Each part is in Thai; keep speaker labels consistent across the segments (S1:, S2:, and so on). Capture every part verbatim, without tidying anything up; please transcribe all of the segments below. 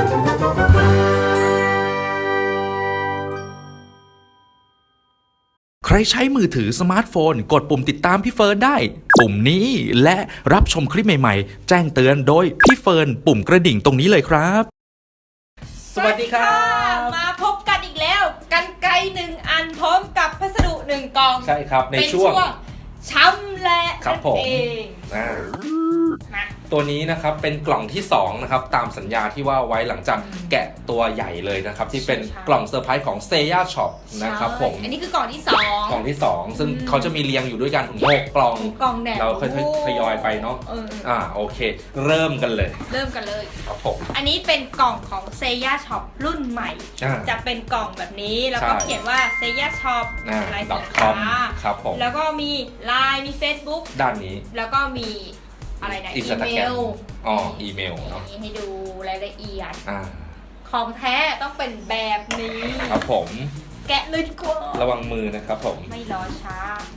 S1: ใครใช้มือถือสมาร์ทโฟนกดปุ่มติดตามพี่เฟิร์นได้ปุ่มนี้และรับชมคลิปใหม่ๆแจ้งเตือนโดยพี่เฟิร์นปุ่มกระดิ่งตรงนี้เลยครับ
S2: สวัสดีค่ะมาพบกันอีกแล้วกันไกลหนึ่งอันพร้อมกับพัสดุหนึ่งกล่อง
S1: ใช่ครับในช่วง
S2: ช้ำและนั่นเอง
S1: ตัวนี้นะครับเป็นกล่องที่สองนะครับตามสัญญาที่ว่าไว้หลังจากแกะตัวใหญ่เลยนะครับที่เป็นกล่องเซอร์ไพรส์ของ Seiya Shop นะครับผม
S2: อันนี้คือกล่องที่สอง
S1: กล่องที่สองซึ่งเขาจะมีเรียงอยู่ด้วยกันถึงหกกล่อง
S2: กล่องแหน
S1: เราค่อยๆทยอยไปเนาะอ่าโอเคเริ่มกันเลย
S2: เริ่มกันเลย
S1: ครับผม
S2: อันนี้เป็นกล่องของ Seiya Shop รุ่นใหม่จะเป็นกล่องแบบนี้แล้วก็เขียนว่า Seiya Shop
S1: ลายสินค้าครับผม
S2: แล้วก็มี ไลน์ มี Facebook
S1: ด้านนี้
S2: แล้วก็มีอะไรนะอีเมล
S1: อ๋ออีเมลเนาะ
S2: ให้ดูรายละเอียดของแท้ต้องเป็นแบบนี้
S1: ครับผม
S2: แกะเลยดีกว่า
S1: ระวังมือนะครับผม
S2: ไม่รอช้า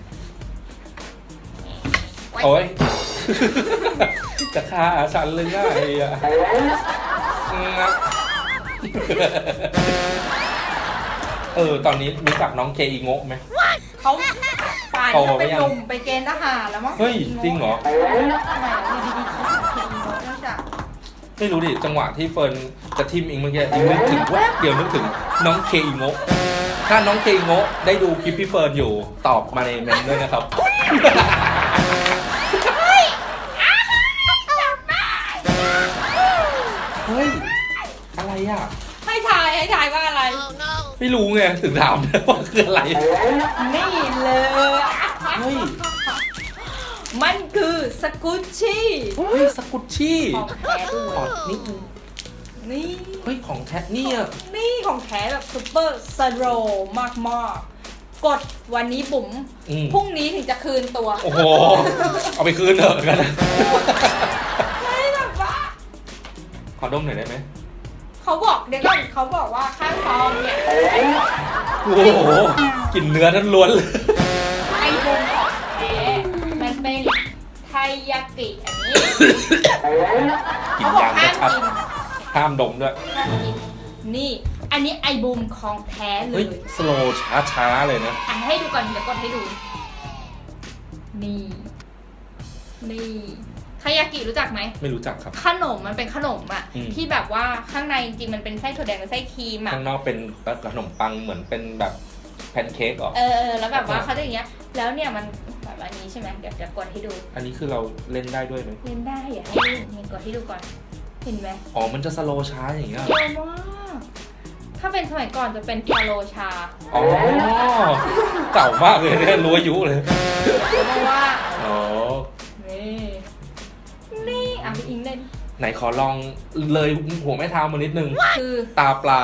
S1: โอ้ยจะฆ่าฉันเลยง่ายอ่ะเออตอนนี้รู้จักน้องเคอิโงะไหม
S2: เขาป่านเขาเป็นหนุ่มไปเกณฑ์ทหารแล้วมั้ง
S1: เฮ้ยจริงเหรอไม่รู้ดิจังหวะที่เฟิร์นจะทิมอิงเมื่อกี้อิงนึกถึงแวบเดียวนึกถึงน้องเคอิโงะถ้าน้องเคอิโงะได้ดูคลิปพี่เฟิร์นอยู่ตอบมาในเมนด้วยนะครับเฮ้ยอะไรอ่ะ
S2: ให้ถ่ายให้ถ่ายว่าอะไร
S1: ไม่รู้ไงถึงถามว่าคืออะไร
S2: นี่เลย
S1: เฮ้ย
S2: มันคือสกุชชี่
S1: เฮ้ยสกุชชี่
S2: ของแท้ด้วย
S1: นี่
S2: นี่
S1: เฮ้ยของแท้นี่อ่ะ
S2: นี่ของแท้แบบซุปเปอร์สโลว์มากมากกดวันนี้บุ๋มพรุ่งนี้ถึงจะคืนตัว
S1: โอ้โหเอาไปคืนเถอะกัน
S2: ไม่แบบว่า
S1: ขอดมหน่อยได้ไหม
S2: เขาบอกเดี๋ยวก่อนเขาบอกว่าข้างซองเนี่ย
S1: โอ้โหกลิ่นเนื้อทั้งล้วนเลย
S2: ไอ้บุ๋มของแท้มันเป็นไทยากิอันนี้เขาบอกห้ามกิน
S1: ห้ามดมด้วย
S2: นี่อันนี้ไอบูมของแท้เลย
S1: สโลว์ช้าๆเลยนะ
S2: อ่ะให้ดูก่อนเดี๋ยวกดให้ดูนี่นี่ทายากิรู้จักไหม
S1: ไม่รู้จักครับ
S2: ขนมมันเป็นขนมอ่ะที่แบบว่าข้างในจริงๆมันเป็นไส้ถั่วแดงกับไส้ครีมอ่ะ
S1: ข้างนอกเป็นขนมปังเหมือนเป็นแบบแพนเค้กหรอ
S2: เออแล้วแบบว่าเขาจะอย่างเงี้ยแล้วเนี่ยมันแบบอันนี้ใช่ไหมเดี๋ยวจะกดให้ดู
S1: อันนี้คือเราเล่นได้ด้วยไหม
S2: เล่นได้อ่ะให้ดูนี่กดให้ดูก่อนเห็นไหม
S1: อ๋อมันจะสโลช้าอย่างเงี้ย
S2: สโลมากถ้าเป็นสมัยก่อนจะเป็นฟาโลชา
S1: อ๋อเก่ามากเลยเนี่ยรู้อายุเลย
S2: เพราะว่า
S1: อ๋อ
S2: นี่นี่อ่ะพี่อิงเล่น
S1: ไหนขอลองเลยหัวแม่เท้ามานิดนึง
S2: คือ
S1: ตาปลา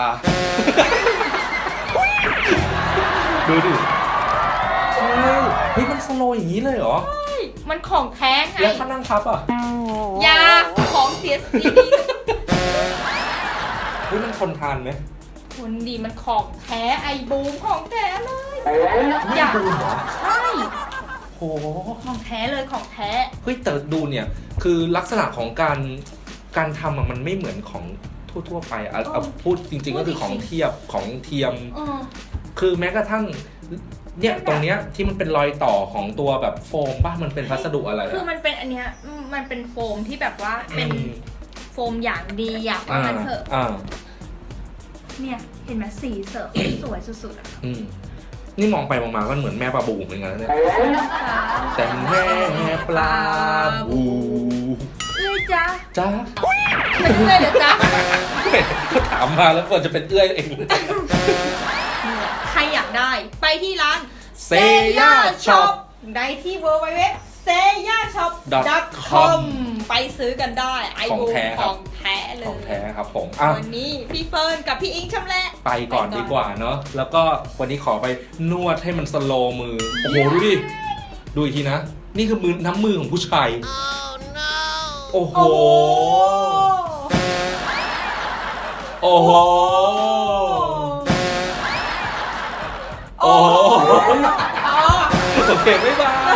S1: ดูดิเฮ้ยมันสโลอย่างนี้เลยเหรอ
S2: มันของแท้ไง
S1: แล้วถ้านั่งทับอ่ะ
S2: ยาของเสียสีดี
S1: เฮ้ยมันทนทานไหม
S2: คนดีมันของแท้ไอบูมของแท้เลย
S1: อยากดูเหรอ
S2: ใช่
S1: โห
S2: ของแท้เลยของแท้
S1: เฮ้ยแต่ดูเนี่ยคือลักษณะของการการทำมันไม่เหมือนของทั่วๆไปเอาพูดจริงๆก็คือของเทียบของเทียมคือแม้กระทั่งเนี่ยตรงเนี้ยที่มันเป็นรอยต่อของตัวแบบโฟมป่ะมันเป็นพัสดุอะไร
S2: คือมันเป็นอันเนี้ยมันเป็นโฟมที่แบบว่าเป็นโฟมอย่างดีอยากว่ามันเถอะเนี่ยเห็นไหมสีเสริมสวยสุดๆอ่ะ
S1: นี่มองไปมองมาก็เหมือนแม่ปลาบูเหมือนกันเนี่ยแต่แม่ปลาบู
S2: เอ้ยจ้า
S1: จ้า
S2: เป็นเอ้ยเดี๋ยวจ้า
S1: ก็ถามมาแล้วควรจะเป็นเอ้ยเอง
S2: ใครอยากได้ไปที่ร้าน
S1: Seiya Shop
S2: ได้ที่ ดับเบิลยู ดับเบิลยู ดับเบิลยู ดอท เซย่าช็อป ดอท คอม ไปซื้อกันได้ไอบูของแท้เลย
S1: ของแท้ครับผม
S2: วันนี้พี่เฟิร์นกับพี่อิงชำแหละ
S1: ไปก่อนดีกว่าเนาะแล้วก็วันนี้ขอไปนวดให้มันสโลมือโอ้โหดูดิดูอีกทีนะนี่คือมือน้ำมือของผู้ชายโอ้โหโอ้โหโอ้โหโอเคไม่บาย